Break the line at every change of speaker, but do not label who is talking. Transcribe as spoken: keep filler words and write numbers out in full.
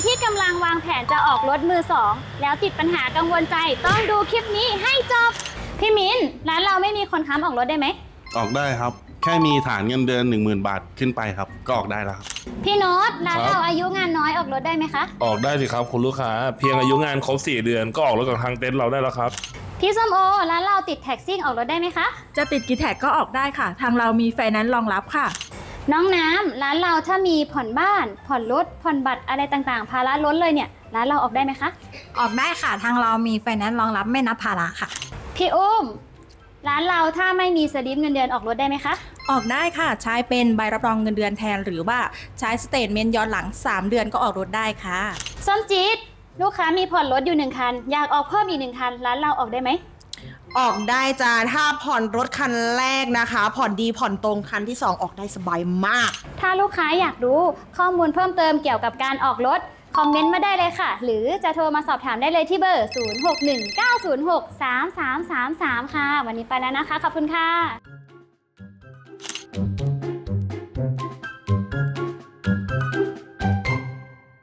ที่กำลังวางแผนจะออกรถมือสองแล้วติดปัญหากังวลใจต้องดูคลิปนี้ให้จบพี่มิ้นร้านเราไม่มีคนค้ำออกรถได้ไหม
ออกได้ครับแค่มีฐานเงินเดือน หนึ่งหมื่น บาทขึ้นไปครับก็ออกได้แล้วครับ
พี่โน้ตร้านเราอายุงานน้อยออกรถได้ไหมคะ
ออกได้สิครับคุณลูกค้าเพียงอายุงานครบสี่เดือนก็ออกรถกับทางเต็นท์เราได้แล้วครับ
พี่ส้มโอร้านเราติดแท็กซี่ออกรถได้ไหมคะ
จะติดกี่แท็กก็ออกได้ค่ะทางเรามีไฟแนนซ์รองรับค่ะ
น้องน้ำร้านเราถ้ามีผ่อนบ้านผ่อนรถผ่อนบัตรอะไรต่างๆภาระล้นเลยเนี่ยร้านเราออกได้ไหมคะ
ออกได้ค่ะทางเรามีไฟแนนซ์รองรับไม่นับภาระค่ะ
พี่อุ้มร้านเราถ้าไม่มีสลิปเงินเดือนออกรถได้ไหมคะ
ออกได้ค่ะใช้เป็นใบรับรองเงินเดือนแทนหรือว่าใช้สเตทเมนต์ย้อนหลังสามเดือนก็ออกรถได้ค่ะ
ส้มจี๊ดลูกค้ามีผ่อนรถอยู่หนึ่งคันอยากออกเพิ่มอีกหนึ่งคันร้านเราออกได้ไหม
ออกได้จ้าถ้าผ่อนรถคันแรกนะคะผ่อนดีผ่อนตรงคันที่สองออกได้สบายมาก
ถ้าลูกค้าอยากรู้ข้อมูลเพิ่มเติมเกี่ยวกับการออกรถคอมเมนต์มาได้เลยค่ะหรือจะโทรมาสอบถามได้เลยที่เบอร์ศูนย์ หก หนึ่ง เก้า ศูนย์ หก สาม สาม สาม สามค่ะวันนี้ไปแล้วนะคะขอบคุณค่ะ